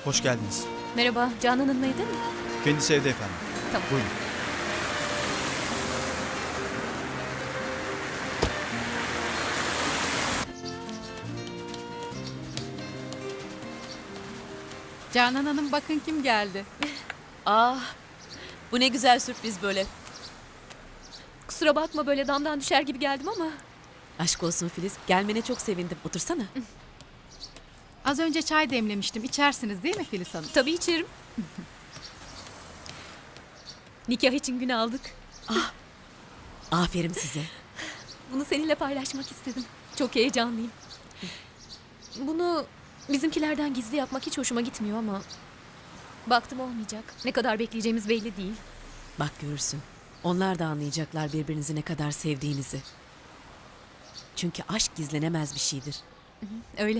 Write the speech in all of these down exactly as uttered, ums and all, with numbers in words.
Hoş geldiniz. Merhaba, Canan Hanım'laydı mı? Kendisi evde efendim. Tamam. Buyurun. Canan Hanım bakın kim geldi. Ah, bu ne güzel sürpriz böyle. Kusura bakma böyle damdan düşer gibi geldim ama. Aşk olsun Filiz. Gelmene çok sevindim. Otursana. Az önce çay demlemiştim. İçersiniz değil mi Filiz Hanım? Tabii içerim. Nikah için gün aldık. Aferin size. Bunu seninle paylaşmak istedim. Çok heyecanlıyım. Bunu bizimkilerden gizli yapmak hiç hoşuma gitmiyor ama... Baktım olmayacak. Ne kadar bekleyeceğimiz belli değil. Bak görürsün. Onlar da anlayacaklar birbirinizi ne kadar sevdiğinizi. Çünkü aşk gizlenemez bir şeydir. Öyle.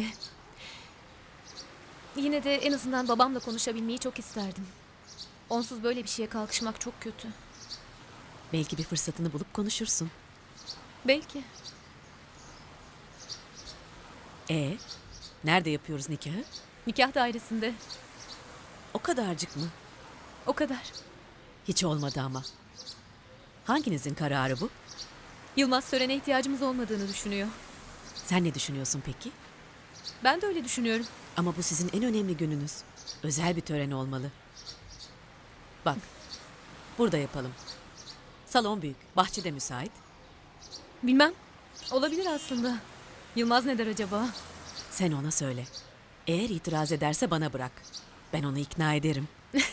Yine de en azından babamla konuşabilmeyi çok isterdim. Onsuz böyle bir şeye kalkışmak çok kötü. Belki bir fırsatını bulup konuşursun. Belki. E, nerede yapıyoruz nikahı? Nikah dairesinde. O kadarcık mı? O kadar. Hiç olmadı ama. Hanginizin kararı bu? Yılmaz törene ihtiyacımız olmadığını düşünüyor. Sen ne düşünüyorsun peki? Ben de öyle düşünüyorum. Ama bu sizin en önemli gününüz. Özel bir tören olmalı. Bak, burada yapalım. Salon büyük, bahçe de müsait. Bilmem. Olabilir aslında. Yılmaz ne der acaba? Sen ona söyle. Eğer itiraz ederse bana bırak. Ben onu ikna ederim.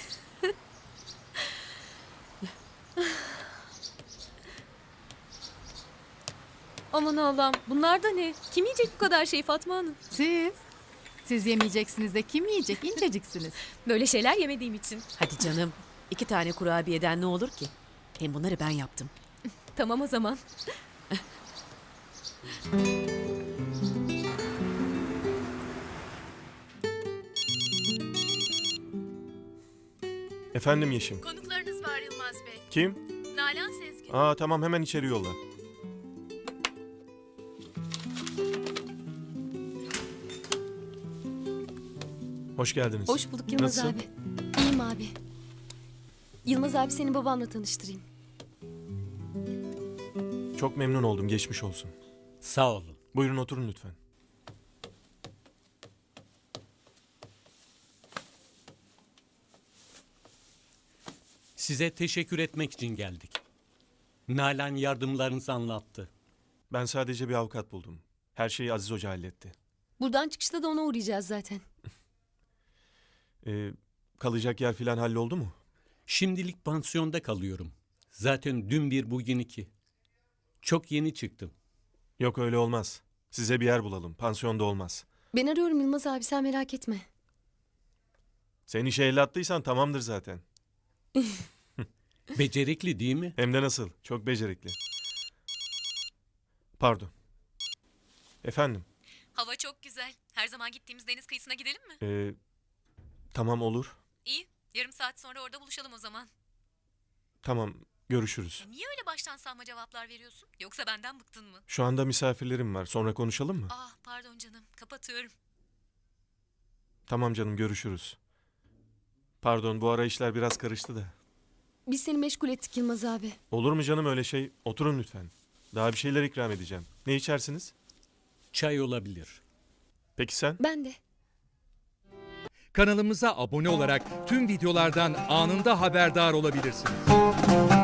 Aman Allah'ım. Bunlar da ne? Kim yiyecek bu kadar şey Fatma Hanım? Siz? Siz yemeyeceksiniz de kim yiyecek? İnceciksiniz. Böyle şeyler yemediğim için. Hadi canım. İki tane kurabiyeden ne olur ki? Hem bunları ben yaptım. Tamam o zaman. Efendim Yeşim. Konuklarınız var Yılmaz Bey. Kim? Nalan Sezgin. Aa tamam, hemen içeri yolla. Hoş geldiniz. Hoş bulduk Yılmaz Nasılsın? abi. İyiyim abi. Yılmaz abi seni babamla tanıştırayım. Çok memnun oldum, geçmiş olsun. Sağ olun. Buyurun oturun lütfen. Size teşekkür etmek için geldik. Nalan yardımlarınızı anlattı. Ben sadece bir avukat buldum. Her şeyi Aziz Hoca halletti. Buradan çıkışta da ona uğrayacağız zaten. Ee, kalacak yer falan halloldu mu? Şimdilik pansiyonda kalıyorum. Zaten dün bir bugün iki. Çok yeni çıktım. Yok öyle olmaz. Size bir yer bulalım. Pansiyonda olmaz. Ben arıyorum Yılmaz abi sen merak etme. Sen işe el attıysan tamamdır zaten. Becerikli değil mi? Hem de nasıl? Çok becerikli. Pardon. Efendim? Hava çok güzel. Her zaman gittiğimiz deniz kıyısına gidelim mi? Ee, tamam olur. İyi. Yarım saat sonra orada buluşalım o zaman. Tamam, görüşürüz. Niye öyle baştan savma cevaplar veriyorsun? Yoksa benden bıktın mı? Şu anda misafirlerim var. Sonra konuşalım mı? Ah pardon canım. Kapatıyorum. Tamam canım, görüşürüz. Pardon, bu ara işler biraz karıştı da. Biz seni meşgul ettik Yılmaz abi. Olur mu canım öyle şey? Oturun lütfen. Daha bir şeyler ikram edeceğim. Ne içersiniz? Çay olabilir. Peki sen? Ben de. Kanalımıza abone olarak tüm videolardan anında haberdar olabilirsiniz.